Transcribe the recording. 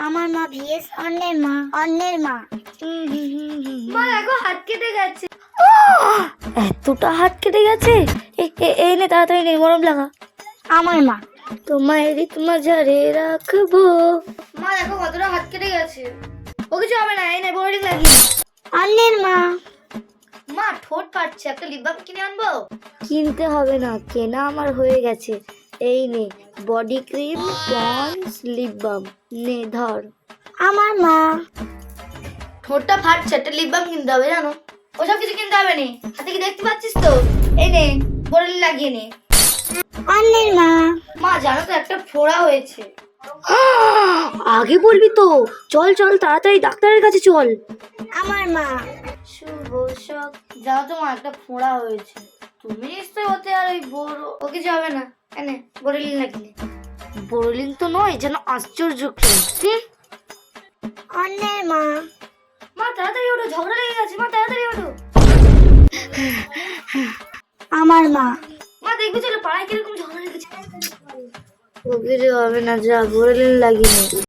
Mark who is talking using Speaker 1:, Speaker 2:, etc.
Speaker 1: আমার মা ভিএস অন্যের মা, অন্যের মা।
Speaker 2: মা দেখো হাত কেটে গেছে।
Speaker 3: এতটা হাত কেটে গেছে? এই নে তাড়াতাড়ি নে, গরম লাগা।
Speaker 1: আমার মা।
Speaker 3: তোমায় রিত মাঝারে রাখবো।
Speaker 2: মা দেখো কতটা হাত কেটে গেছে। ও কিছু হবে না, এই নে বোরিং লাগিয়ে।
Speaker 1: অন্যের মা।
Speaker 2: মা ঠোঁট ফাটছে, একটা লিপ বাম কিনে আনবো?
Speaker 3: কিনতে হবে না, কেনা আমার হয়ে গেছে। এই নে body cream, ponds, lip balm, নে ধর।
Speaker 1: আমার মা।
Speaker 2: ঠোঁটটা ফাটছে, একটা লিপ বাম কিনতে হবে জানো। ওসব কিছু কিনতে হবে না, হাতে কি দেখতে পাচ্ছিস তো? এই নে বোরিং লাগিয়ে নে।
Speaker 1: অন্যের মা।
Speaker 2: মা জানো তো একটা ফোড়া হয়েছে।
Speaker 3: আগে বলবি তো। চল চল তাড়াতাড়ি ডাক্তারের কাছে চল।
Speaker 1: আমার মা।
Speaker 2: শুভ শখ। জানো তো মা একটা ফোড়া হয়েছে। তুমি নিশ্চয়ই ওতে আর ওই বড় ও কিছু হবে না। এনে বোরিং লাগিয়ে নে।
Speaker 3: বোরলিন তো নয়, যেন আশ্চর্য ক্রিম।
Speaker 1: অন্যের মা।
Speaker 2: মা তাড়াতাড়ি ওঠো, ঝগড়া লেগে গেছে। মা তাড়াতাড়ি ওঠো।
Speaker 1: আমার মা।
Speaker 2: মা দেখবে চলো পাড়ায় কিরকম ঝগড়া লেগেছে।
Speaker 3: ও কিছু হবে না, যা বোরলিন লাগিয়ে নে।